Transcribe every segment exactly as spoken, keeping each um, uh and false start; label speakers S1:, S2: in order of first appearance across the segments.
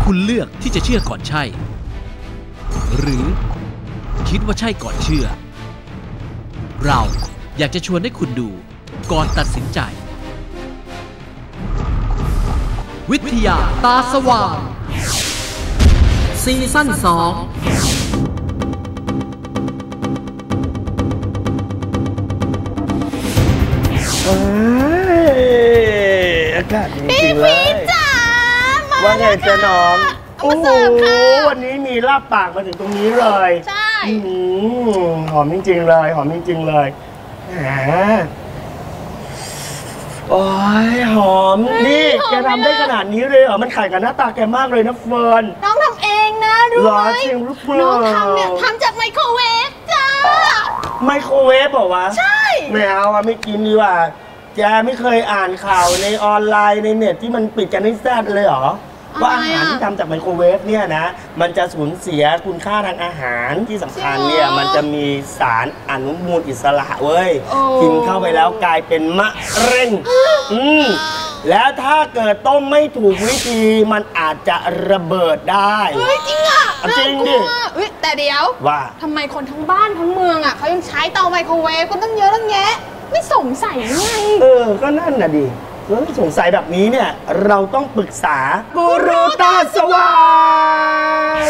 S1: คุณเลือกที่จะเชื่อก่อนใช่ หรือคิดว่าใช่ก่อนเชื่อ เราอยากจะชวนให้คุณดูก่อนตัดสินใจวิทยาตาสว่างซีซั่นสอง
S2: อากาศดีจริงเลยว่าไงจ๊ะน้องโอ้โหวันนี้มีลาบปากมาถึงตรงนี้เลยใช่หอมจริงๆเลยหอมจริงๆเลยแหมโอ้ยหอมนี่แกทำได้ขนาดนี้เลยเหรอมันขายกับหน้าตาแกมากเลยนะเฟิร์น
S3: น้องทำเองนะรู้ไหมจริงหรือเปล่าน้องทำเนี่ยทำจากไมโครเวฟจ้า
S2: ไมโครเวฟเหรอวะ
S3: ใช่
S2: ไม่เอาอะไม่กินดีกว่าแกไม่เคยอ่านข่าวในออนไลน์ในเน็ตที่มันปิดกันให้แซ่ดเลยเหรอว่าอาหารที่ทำจากไมโครเวฟเนี่ยนะมันจะสูญเสียคุณค่าทางอาหารที่สำคัญเนี่ยมันจะมีสารอนุมูลอิสระเว้ยกินเข้าไปแล้วกลายเป็นมะเร็งอืมแล้วถ้าเกิดต้มไม่ถูกวิธีมันอาจจะระเบิดได้
S3: เฮ้ยจริงอ่ะ
S2: จริงดิ
S3: แต่เดี๋ยว
S2: ว่า
S3: ทำไมคนทั้งบ้านทั้งเมืองอ่ะเขายังใช้เตาไมโครเวฟกันตั้งเยอะตั้งแยะไม่สงสัยไง
S2: เออก็นั่นน่ะดิเออสงสัยแบบนี้เนี่ยเราต้องปรึกษากูรูตาสว่าง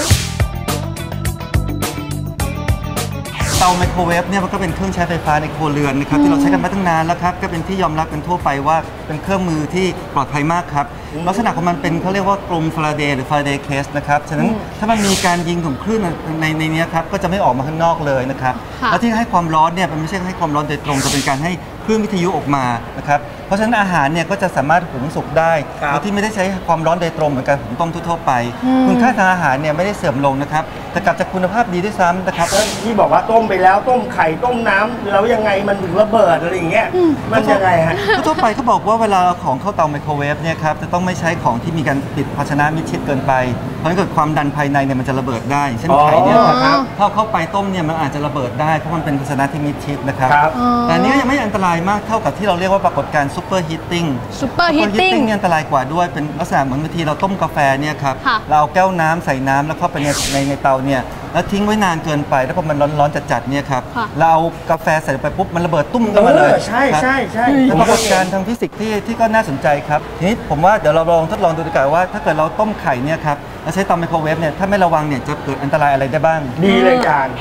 S4: เตาไมโครเวฟเนี่ยมันก็เป็นเครื่องใช้ไฟฟ้าในครัวเรือนนะครับที่เราใช้กันมาตั้งนานแล้วครับก็เป็นที่ยอมรับกันทั่วไปว่าเป็นเครื่องมือที่ปลอดภัยมากครับลักษณะของมันเป็นเขาเรียกว่ากลมฟาราเดย์หรือฟาราเดย์เคสนะครับฉะนั้นถ้ามันมีการยิงของคลื่นในในนี้ครับก็จะไม่ออกมาข้างนอกเลยนะครับแล้วที่ให้ความร้อนเนี่ยมันไม่ใช่ให้ความร้อนโดยตรงแต่เป็นการให้คลื่นวิทยุออกมานะครับเพราะฉะนั้นอาหารเนี่ยก็จะสามารถหุงสุกได้โดยที่ไม่ได้ใช้ความร้อนโดยตรงเหมือนการหุงต้มทั่วๆไปคุณค่าทางอาหารเนี่ยไม่ได้เสื่อมลงนะครับแต่กลับจากคุณภาพดีด้วยซ้ำนะครับ
S2: ที่บอกว่าต้มไปแล้วต้มไข่ต้มน้ำแล้วยังไงมันถึงระเบิดอะไรอย่างเงี้ยมันยังไงฮะ
S4: ทั่วไปเขาบอกว่าเวลาของเข้าเตาไมโครเวฟเนี่ยครับจะต้องไม่ใช้ของที่มีการปิดภาชนะมิดชิดเกินไปเพราะถ้าเกิดความดันภายในเนี่ยมันจะระเบิดได้เช่นไข่เนี่ยนะครับถ้าเข้าไปต้มเนี่ยมันอาจจะระเบิดได้เพราะมันเป็นภาชนะที่มิดชิดนะครับแต่นี้ยังไม่อันตรายมากเท่ากับที่เราเรียกว่าปรากฏการณ์ซูเปอร์ฮีตติ้ง
S3: ซูเปอร์ฮีตติ้ง
S4: เนี่ยอันตรายกว่าด้วยเป็นลักษณะเหมือนบางทีเราต้มกาแฟเนี่ยครับเราเอาแก้วน้ำใส่น้ำแล้วเข้าไปในในในเตาเนี่ยแล้วทิ้งไว้นานเกินไปแล้วพอมันร้อนๆจัดๆเนี่ยครับเราเอากาแฟใส่ไปปุ๊บมันระเบิดตุ้มขึ้นมาเลย
S2: ใช่ใช่ใช่
S4: เป็นปรากฏการณ์ทางฟิสิกส์ที่ที่ก็น่าสนใจครับทีนี้ผมว่าเดี๋ยวเราลองทดลองดูดีกว่าว่าถ้าเกิดเราต้มไข่เนี่ยครับแล้วใช้เตาไมโครเวฟเนี่ยถ้าไม่ระวังเนี่ยจะเกิดอันตรายอะไรได้บ้าง
S2: ดีเลยจาน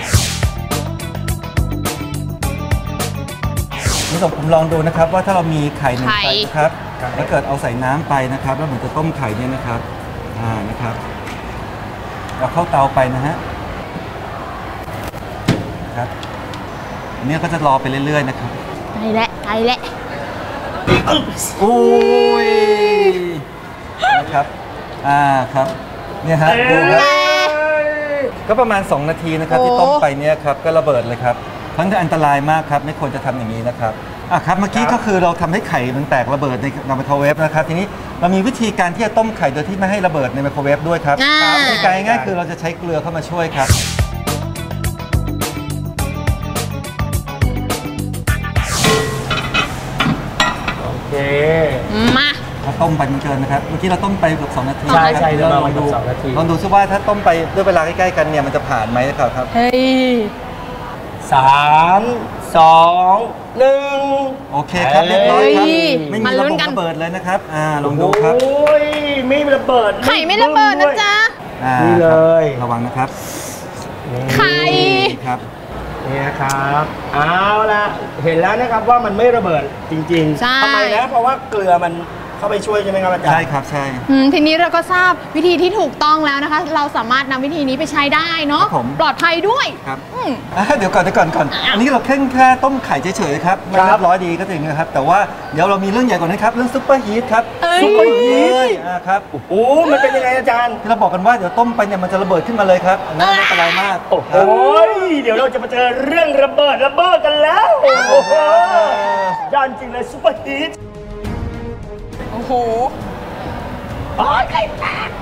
S4: นี่ผมลองดูนะครับว่าถ้าเรามีไข่หนึ่งไข่นะครับแล้วเกิดเอาใส่น้ำไปนะครับแล้วเหมือนจะต้มไข่เนี่ยนะครับอ่านะครับเราเข้าเตาไปนะฮะครับอันนี้ก็จะรอไปเรื่อยๆนะครับ
S3: ไปแล้วไปแล้ว
S4: โอ้ยนะครับอ่าครับเนี่ยฮะดูครับก็ประมาณสองนาทีนะครับที่ต้มไปเนี่ยครับก็ระเบิดเลยครับทั้งที่อันตรายมากครับไม่ควรจะทำอย่างนี้นะครับอ่ะครับเมื่อกี้ก็คือเราทำให้ไข่มันแตกระเบิดในไมโครเวฟนะครับทีนี้เรามีวิธีการที่จะต้มไข่โดยที่ไม่ให้ระเบิดในไมโครเวฟด้วยครับวิธีการง่ายๆคือเราจะใช้เกลือเข้ามาช่วยครับ
S2: โอเค
S3: มา
S4: เราต้มไปมันเกินนะครับเมื่อกี้เราต้มไปเกือบสองนาที
S2: ใช่ใช่เราลองดู
S4: ลองดูซิว่าถ้าต้มไปด้วยเวลาใกล้ๆกันเนี่ยมันจะผ่านไหมครับครับ
S3: เฮ้ย
S2: สามสองหนึ่ง
S4: โอเคครับเรียบร้อยครับไม่มีระเบิดระเบิดเลยนะครับอ่าลองดูครับ
S2: โอ้ยไม่ระเบิด
S3: ไข่ไม่ระเบิดนะจ๊ะ
S2: นี่เลย
S4: ระวังนะครับ
S3: ไข่
S4: ครับ
S2: นี่นะครับเอาละเห็นแล้วนะครับว่ามันไม่ระเบิดจริงๆทำไมนะเพราะว่าเกลือมันเข้าไปช่วยใช่ไหมครับอาจารย์
S4: ใช่ครับใช่
S3: ทีนี้เราก็ทราบวิธีที่ถูกต้องแล้วนะคะเราสามารถนำวิธีนี้ไปใช้ได้เนาะปลอดภัยด้วย
S4: ครับเดี๋ยวก่อนเดี๋ยวก่อนก่อนอันนี้เราแค่แค่ต้มไข่เฉยๆครับไม่เรียบร้อยดีก็จริงนะครับแต่ว่าเดี๋ยวเรามีเรื่องใหญ่กว่านั้นครับเรื่องซุปเปอร์ฮีทครับ
S2: ซุปเปอร์ฮีท
S4: ครับ
S2: โอ้มันเป็นยังไงอาจารย์
S4: ที่เราบอกกันว่าเดี๋ยวต้มไปเนี่ยมันจะระเบิดขึ้นมาเลยครับน่าอันตรายมาก
S2: โอ้โหเดี๋ยวเราจะมาเจอเรื่องระเบิดระเบิดกันแล้วโอ้โหยอดจริงเลยซุปเปอร์ฮีท
S3: โอ้โห
S2: โอ้ยไข่แตก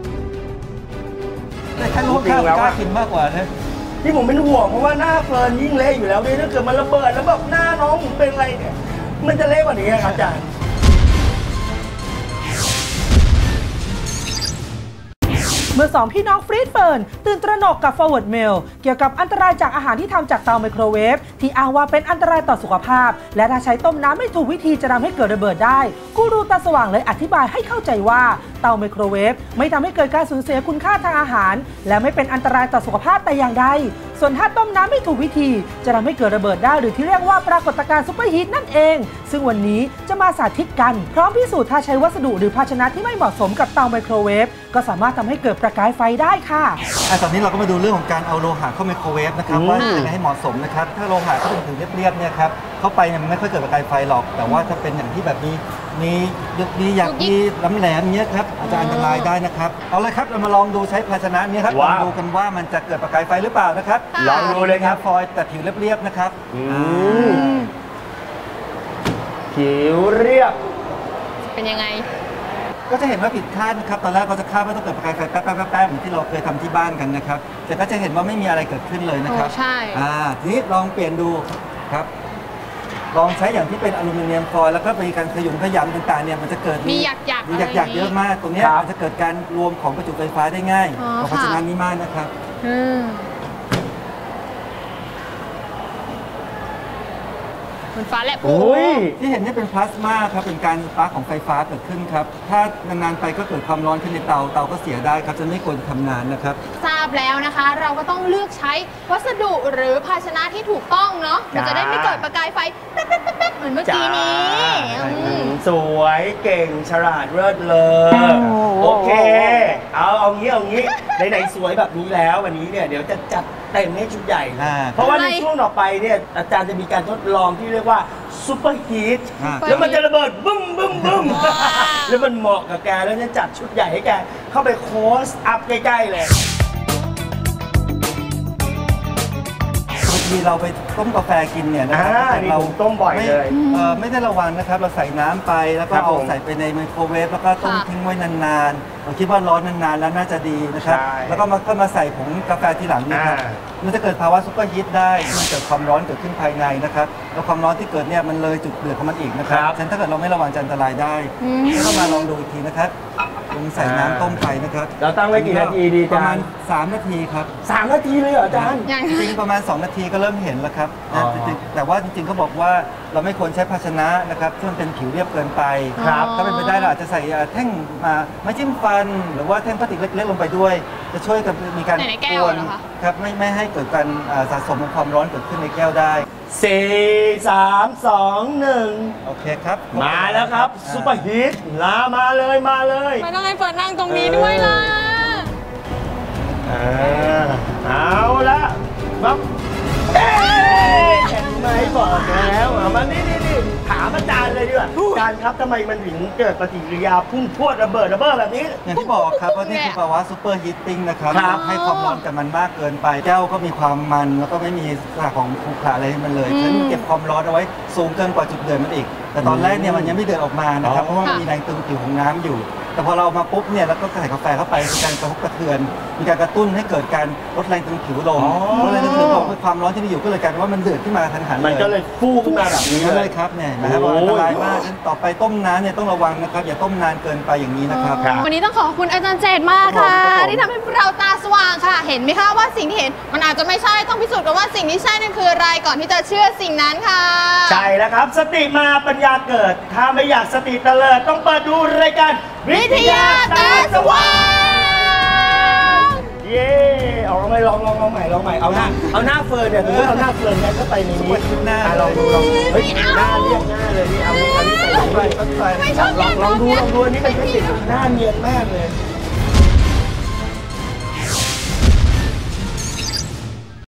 S4: แต่แค่รู้ข้าวกล้ากินมากกว่านะ
S2: ที่ผมเป็นห่วงเพราะว่าหน้าเฟิร์นยิ่งเละอยู่แล้วด้วยถ้าเกิดมันระเบิดแล้วแบบหน้าน้องผมเป็นอะไรเนี่ยมันจะเละกว่านี้ครับอาจารย์
S5: มื่อสองพี่น้องฟรีดเฟิร์นตื่นตระหนกกับ Forward Mail เกี่ยวกับอันตรายจากอาหารที่ทำจากเตาไมโครเวฟที่อ้างว่าเป็นอันตรายต่อสุขภาพและถ้าใช้ต้มน้ำไม่ถูกวิธีจะทำให้เกิดระเบิดได้กูรูตาสว่างเลยอธิบายให้เข้าใจว่าเตาไมโครเวฟไม่ทำให้เกิดการสูญเสียคุณค่าทางอาหารและไม่เป็นอันตรายต่อสุขภาพแต่อย่างใดส่วนถ้าต้มน้ำไม่ถูกวิธีจะทำให้เกิดระเบิดได้หรือที่เรียกว่าปรากฏการณ์ซุปเปอร์ฮีทนั่นเองซึ่งวันนี้จะมาสาธิตกันพร้อมพิสูจน์ถ้าใช้วัสดุหรือภาชนะที่ไม่เหมาะสมกับเตาไมโครเวฟก็สามารถทำให้เกิดประกายไฟได้ค่ะ
S4: อ่ะตอนนี้เราก็มาดูเรื่องของการเอาโลหะเข้าไมโครเวฟนะครับว่าจะให้เหมาะสมนะครับถ้าโลหะเขาเป็นผิวเรียบๆเนี่ยครับเข้าไปเนี่ยมันไม่ค่อยเกิดประกายไฟหรอกแต่ว่าถ้าเป็นอย่างที่แบบนี้มียุกนี้อยากมีล้ำแหลมเนี้ยครับอาจจะอันตรายได้นะครับเอาเลยครับเรามาลองดูใช้ภาชนะนี้ครับลองดูกันว่ามันจะเกิดประกายไฟหรือเปล่านะครับ
S2: ลองดูเลยครับ
S4: ฟอยล์แต่ผิวเรียบๆนะครับ
S2: ผิวเรียบ
S3: เป็นยังไง
S4: ก็จะเห็นว่าผิดคาดนะครับตอนแรกเราจะคาดว่าต้องเกิดประกายไฟแป๊บๆๆเหมือนที่เราเคยทำที่บ้านกันนะครับแต่ก็จะเห็นว่าไม่มีอะไรเกิดขึ้นเลยนะครับ
S3: ใช่
S4: อ่าทีนี้ลองเปลี่ยนดูครับลองใช้อย่างที่เป็นอลูมิเนียมฟอยล์แล้วก็มีการขยุมขยำต่างๆเนี่ยมันจะเกิด
S3: มีหยักๆ
S4: มีหยักๆเยอะมากตรงนี้มันจะเกิดการรวมของประจุไฟฟ้าได้ง่ายเพราะฉะนั้นนี้มากนะครับ
S3: ฟ้าแลบ
S4: ที่เห็นนี่เป็นพลาสมาครับเป็นการสปาร์คของไฟฟ้าเกิดขึ้นครับถ้านานๆไปก็เกิดความร้อนขึ้นในเตาเตาก็เสียได้ครับจะไม่ควรทำนานนะครับ
S3: ทราบแล้วนะคะเราก็ต้องเลือกใช้วัสดุหรือภาชนะที่ถูกต้องเนาะมันจะได้ไม่เกิดประกายไฟแป๊บๆๆเหมือนเมื่อกี้นี้
S2: สวยเก่งฉลาดเลิศเลอโอเคเอาเอางี้เอางี้ไหนๆสวยแบบนี้แล้ววันนี้เนี่ยเดี๋ยวจะจัดเต็มให้ชุดใหญ่เพราะว่าในช่วงต่อไปเนี่ยอาจารย์จะมีการทดลองที่เรียกว่าซุปเปอร์ฮีทแล้วมันจะระเบิดบึ้มบึ้มบึ้มแล้วมันเหมาะกับแกแล้วจะจัดชุดใหญ่ให้แกเข้าไปโค้ชอัพใกล้ๆเลย
S4: บางทีเราไปต้มกาแฟกินเนี่ยนะครับ
S2: เราต้มบ่อยเลย
S4: ไม่ได้ระวังนะครับเราใส่น้ำไปแล้วก็เอาใส่ไปในไมโครเวฟแล้วก็ต้มทิ้งไว้นานๆเราคิดว่าร้อนนานๆแล้วน่าจะดีนะครับแล้วก็มาก็มาใส่ผงกาแฟทีหลังนี่ครับมันจะเกิดภาวะซุปเปอร์ฮีทได้มันเกิดความร้อนเกิดขึ้นภายในนะครับแล้วความร้อนที่เกิดเนี่ยมันเลยจุดเดือดของมันอีกนะครับฉะนั้นถ้าเกิดเราไม่ระวังจะอันตรายได้ก็มาลองดูอีกทีนะครับลงใส่น้ำต้มไปนะครับ
S2: เราตั้งไว้กี่นาทีดี
S4: ประมาณสามนาทีครับ
S2: สามนาทีเลยเหรออาจารย์
S4: จริงประมาณสองนาทีก็เริ่มเห็นแล้วครับแต่ว่าจริงๆเขาบอกว่าเราไม่ควรใช้ภาชนะนะครับที่มันเป็นผิวเรียบเกินไปถ้าเป็นไปได้เราอาจจะใส่แท่งมาไม้จิ้มฟันหรือว่าแท่งพลาสติกเล็กๆลงไปด้วยจะช่วยกับมีการกวนครับไม่ไม่ให้เกิดการสะสมของความร้อนเกิดขึ้นในแก้วได้
S2: สี่ สาม สอง หนึ่ง
S4: โอเคครับ
S2: มาแล้วครับซุปเปอร์ฮีทลามาเลยมาเลย
S3: ไม่ต้องให้เปิดนั่งตรงนี้ด้วยล่ะ
S2: เอาละปั๊บเอ๊ะเห็นไหมบอกแล้วมานี่นี่นี่ถามอาจารย์เลยดีกว่าอาจารย์ครับทำไมมันถึงเกิดปฏิกิริยาพุ่งพรวดระเบิดระเบ้อแบบนี้
S4: อย่างที่บอกครับว่านี่คือภาวะซูเปอร์ฮีทติ้งนะครับให้ความร้อนกับมันมากเกินไปแก้วก็มีความมันแล้วก็ไม่มีสารของขรุขระอะไรให้มันเลยฉะนั้นเก็บความร้อนเอาไว้สูงเกินกว่าจุดเดือดมันอีกแต่ตอนแรกเนี่ยมันยังไม่เดือดออกมานะครับเพราะว่ามันมีแรงตึงผิวของน้ำอยู่แต่พอเรามาปุ๊บเนี่ยแล้วก็ใส่กาแฟเข้าไปมีการกระทบกระเทือนมีการกระตุ้นให้เกิดการลดแรงตึงผิวลงลดแรงตึงผิวลงความร้อนที่มีอยู่ก็เลยกลายเป็นว่ามันเดือดขึ้นมาทันหันเลย
S2: มันก็เลยฟูขึ้นมาแบบนี้
S4: เลยครับเนี่ยนะครับอันตรายมากต่อไปต้มน้ำเนี่ยต้องระวังนะครับอย่าต้มนานเกินไปอย่างนี้นะครับ
S3: วันนี้ต้องขอบคุณอาจารย์เจตมากค่ะที่ทำให้เราตาสว่างค่ะเห็นไหมคะว่าสิ่งที่เห็นมันอาจจะไม่ใช่ต้องพิสูจน์กันว่าสิ่งที่ใช่นั่นคืออะไรก่อนที่จะเชื่อสิ่งนั้นค่ะ
S2: ใช่แล้วครับสติมาปัญญาเกิดถ้าไม่อยากสติเตลิดต้องเปิดดูรายการวิทยาตาสว่างเย่เอาลองใหม่ลองลองลองใหม่ลองใหม่เอาหน้าเอาหน้าเฟิร์นเนี่ยถือว่าเอาหน้าเฟิร์นเนี่ยก็ไปในนี้หน้าลองดูลองเฮ้ยหน้าเรียกหน้าเลยนี่เอานี่เอานี่ใส่ลงไปลองลองดูลองดูอันนี้เป็นเทคนิคหน้าเนียนมากเลย